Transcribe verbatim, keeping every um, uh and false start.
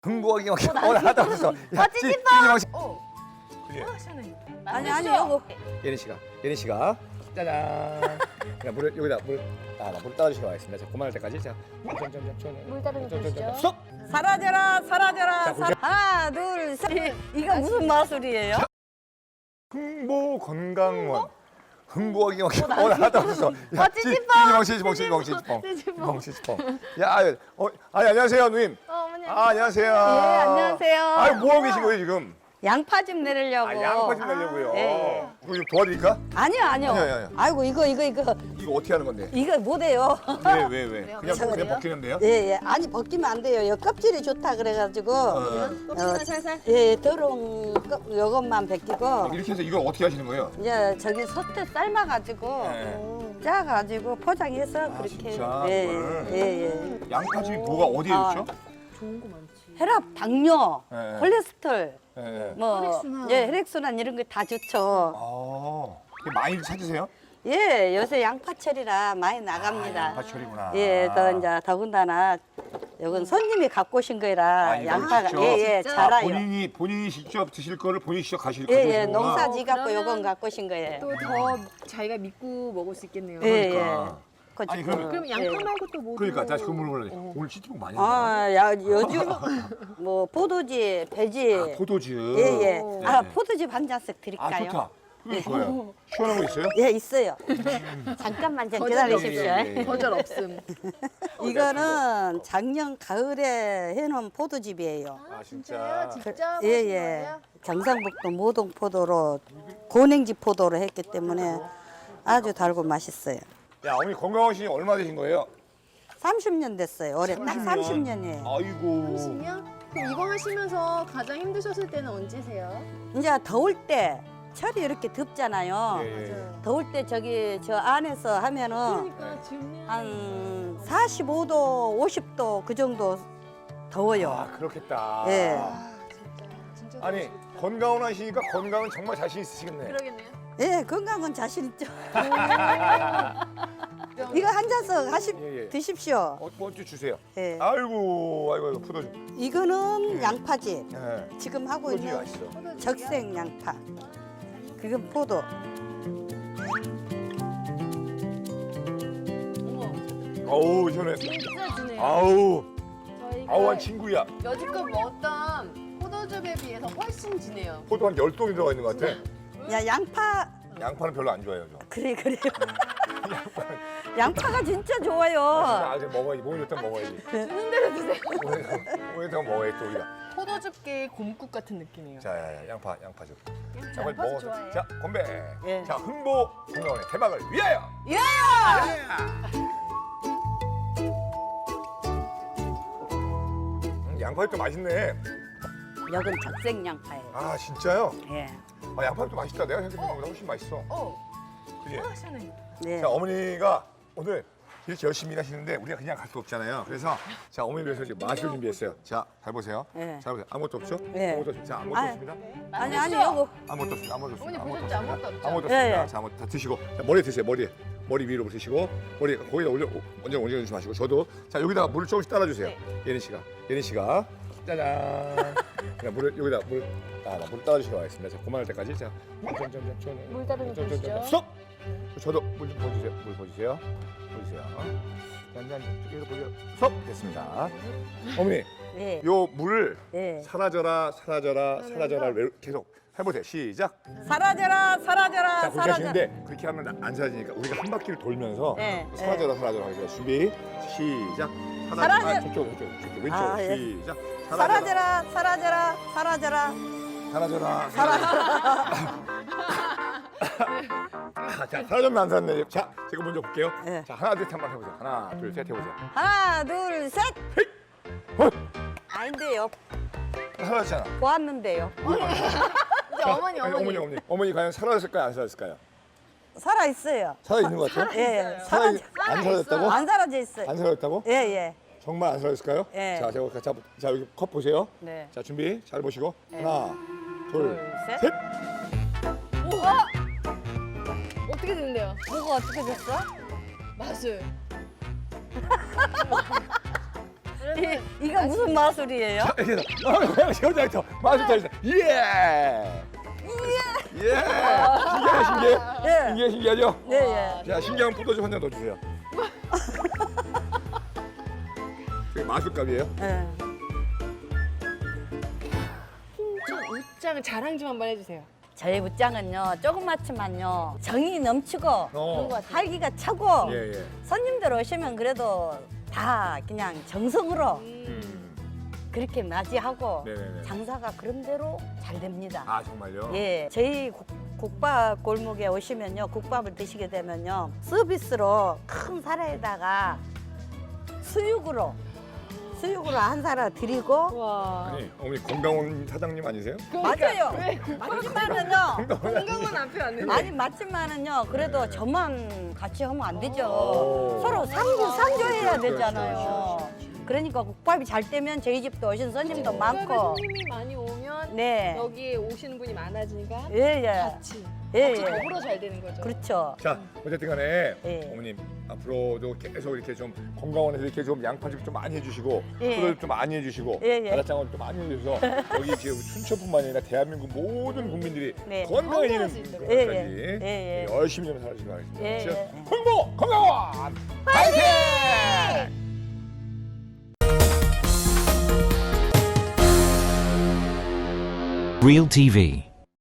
흥부하기 막 오늘 하다 없어. 어, 찌찌뽕. 어. 그게 아, 시원해. 아니 아니 요거 예린 씨가 예린 씨가 짜잔. 야 물을 여기다 물. 아, 나 물 따라주시러 가겠습니다. 자, 그만할 때까지 자. 물 따르는 거 보시죠. 스톱. 사라져라 사라져라 자, 사라... 하나 둘셋 이거 무슨 마술이에요? 흥보 건강원. 흥부하기 막 오늘 하다 없어. 어, 찌찌뽕. 찌찌뽕 찌찌뽕 찌찌뽕 찌찌뽕 찌찌뽕 찌찌뽕. 야, 아유, 어, 아니 안녕하세요 누님. 어, 어머니 아, 안녕하세요. 예 안녕하세요. 아유, 뭐 하고 계신 거예요 지금? 양파 좀 내리려고. 아, 양파 좀 내려고요. 예. 이거 좀 도와드릴까? 아니요 아니요. 아니요, 아니요. 아이고 이거 이거 이거 이거 어떻게 하는 건데? 이거 못해요. 왜, 왜, 왜? 왜요? 그냥, 저거요? 그냥 벗기는데요? 예예 아니 벗기면 안 돼요. 요 껍질이 좋다 그래가지고 어. 어, 살살. 예 더러운 껍 요것만 벗기고 이렇게 해서 이걸 어떻게 하시는 거예요? 이제 저기 솥에 삶아가지고 네. 짜가지고 포장해서 아, 그렇게 진짜? 예, 그걸? 예, 예. 양파 지금 뭐가 어디에 아. 좋죠? 좋은 거 많지. 혈압, 당뇨, 네. 콜레스테롤, 예, 예. 뭐 혈액순환. 예, 혈액순환 이런 거 다 좋죠. 아, 이게 많이 찾으세요? 예, 요새 양파철이라 많이 나갑니다. 아, 양파철이구나. 예, 또 이제 더군다나 이건 손님이 갖고 오신 거라 아, 이거 양파가 직접? 예, 예, 진짜? 자라요. 본인이 본인이 직접 드실 거를 본인이 직접 가실 예, 가져오시는 예, 거구나. 농사지 갖고 그러면 요건 갖고 오신 거예요. 또 더 자기가 믿고 먹을 수 있겠네요. 예, 그러니까. 예. 그거 아니, 지금, 그러면- 그럼 양파 예. 말고 또 뭐? 그러니까 다시 그 물어보려. 어. 오늘 찌찌뽕 많이 한다. 아, 야, 요즘 뭐 포도지, 배지. 아, 포도즙. 예, 예. 오. 아, 네. 포도즙 한 잔씩 아, 드릴까요? 좋다. 그게 좋아요. 시원한 거 있어요? 예, 있어요. 잠깐만 좀 기다리십시오. 예, 예, 예. 거절 없음. 이거는 작년 가을에 해놓은 포도즙이에요. 아, 진짜. 진짜? 예, 예. 경상북도 모동포도로 고냉지 포도로 했기 때문에 아주 달고 맛있어요. 야, 어머니 건강하시니 얼마 되신 거예요? 삼십 년 됐어요. 올해 딱 삼십 년이에요. 아이고. 삼십 년? 그럼 이거 하시면서 가장 힘드셨을 때는 언제세요? 이제 더울 때 철이 이렇게 덥잖아요. 예, 예. 더울 때 저기 저 안에서 하면은 그러니까 지금 한 사십오 도, 오십 도 그 정도 더워요. 아, 그렇겠다. 예. 아, 진짜 진짜 아니, 건강은 하시니까 건강은 정말 자신 있으시겠네. 그러겠네요. 예, 건강은 자신 있죠. 이거 한 잔씩 하시 예, 예. 드십시오. 어, 뭐좀 주세요. 예. 아이고, 아이고, 아이고, 포도즙. 이거는 양파지. 예. 지금 하고 포도즙이 있는 맛있어. 적색 양파. 그건 포도. 어머, 어우, 시원해. 진짜 주네요. 아우, 저희가 아우, 한 친구야. 여지껏 먹었던 포도즙에 비해서 훨씬 진해요. 포도 한 열 동이 들어가 있는 것 같아. 야, 양파. 양파는 별로 안 좋아해요, 저. 그래, 그래요. 양파가 진짜 좋아요. 아, 이제 먹어야지. 몸이 좋다면 먹어야지. 주는 대로 드세요. 몸이 좋다면 먹어야지, 또 우리가. 포도즙계의 곰국 같은 느낌이에요. 자, 야, 야, 양파, 양파즙. 자, 빨리 양파도 먹어서. 좋아해요. 자, 건배. 예. 자, 흥보 건강원의 대박을 위하여. 위하여! 음, 양파도 맛있네. 여긴 적색 양파예요. 아, 진짜요? 예. 아, 양파도 맛있다. 내가 생각했던 것보다 훨씬 맛있어. 어, 그게. 아, 시원해. 네. 자, 어머니가 오늘 이렇게 열심히 일하시는데 우리가 그냥 갈 수 없잖아요. 그래서 자, 어머니 위해서 지금 마술 준비했어요. 자, 잘 보세요. 네. 잘 보세요. 아무것도 없죠? 네. 아무것도 없죠? 자, 아무것도 아유. 없습니다. 아니, 아니, 요거. 아무것도 없습니다. 아무것도 없습니다. 어머니 아무것도 보셨죠? 없습니다. 아무것도 없죠? 아무것도 예, 없습니다. 예. 자, 아무것도 다 드시고 자, 머리에 드세요. 머리에. 머리 위로 드시고 머리 거기다 올려 먼저 올려주지 마시고 저도 자, 여기다가 물을 조금씩 따라주세요. 네. 예린 씨가. 예린 씨가. 짜잔. 그냥 물을 여기다 물. 아, 나 물 따라주시러 가겠습니다. 자, 그만할 때까지. 자, 물 따르는 거 보시죠. 스톱! 저도 물 좀 보여주세요. 물 보여주세요. 보여주세요. 짠짠, 여기서 보세요. 스톱! 됐습니다. 어머니, 예. 요 물을 예. 사라져라, 사라져라, 사라져라 계속 해보세요. 시작. 사라져라, 사라져라, 자, 그렇게 사라져. 하시는데 그렇게 하면 안 사라지니까 우리가 한 바퀴를 돌면서 네, 사라져라, 사라져라 하겠습니다. 준비, 시작. 사라져- 아, 저쪽, 저쪽, 저쪽, 왼쪽, 아, 예. 시작. 사라져라, 사라져라, 사라져라. 사라져라. 사라져라. 아, 자, 사라졌네, 안 사라졌네. 자, 제가 먼저 볼게요. 네. 자, 하나, 둘, 셋 한번 해보세요. 하나, 둘, 셋 해보세요. 하나, 둘, 셋. 어, 아닌데요. 사라졌잖아. 보았는데요. 이제 어머니, 아니, 어머니. 어머니, 어머니. 어머니 과연 사라졌을까요, 안 사라졌을까요? 살아 있어요. 살아 있는 것 같아요? 예, 예. 살아, 사라져. 안 사라졌다고? 안 사라져 있어요. 안 사라졌다고? 예, 예. 정말 안 사라졌을까요? 예. 자, 제가 자, 자 여기 컵 보세요. 네. 자, 준비 잘 보시고 예. 하나, 둘, 둘, 셋. 셋. 우와! 어떻게 되는데요? 뭐가 어떻게 됐어? 마술. 여러분 이거 무슨 마술이에요? 이렇게 해서 여자부터 마술 타시다. 예. 예. 신기해, 신기해. 예. 신기해, 신기하죠? 네, 예. 자, 신기한 포도 좀 한 잔 더 주세요. 이게 마술값이에요? 예. 홍천 웃장 자랑 좀 한번 해주세요. 저희 웃장은요 조그맣지만요 정이 넘치고 어. 활기가 차고 예, 예. 손님들 오시면 그래도 다 그냥 정성으로 음. 그렇게 맞이하고 네네네. 장사가 그런대로 잘 됩니다. 아, 정말요? 예, 저희 국, 국밥 골목에 오시면요 국밥을 드시게 되면요 서비스로 큰 사라에다가 수육으로 수육으로 한 사라 드리고 와. 아니, 어머니 건강원 사장님 아니세요? 맞아요. 왜 맞지만은요 건강은 앞에 왔는데. 아니 맞지만은요 그래도 네. 저만 같이 하면 안 되죠. 오. 서로 상부 상조해야 그렇죠, 되잖아요. 그렇죠, 그렇죠. 그러니까 국밥이 잘 되면 저희 집도 오신 손님도 국밥에 많고. 손님이 많이 오면 네. 여기 오시는 분이 많아지니까 예, 예. 같이 예, 같이 예. 더불어 잘 되는 거죠. 그렇죠. 자, 어쨌든 간에 예. 어머님 앞으로도 계속 이렇게 좀 건강원에서 이렇게 좀 양파즙 좀 많이 해주시고 예. 포도즙 좀 많이 해주시고 예, 예. 바닷장어 좀 많이 해주셔서 여기 지금 춘천뿐만 아니라 대한민국 모든 국민들이 네. 건강해지는 건강할 수 있도록. 것까지 예, 예. 예, 예. 열심히 좀 살아주시기 바라겠습니다. 예, 자, 예. 홍보 건강원 파이팅! Real T V.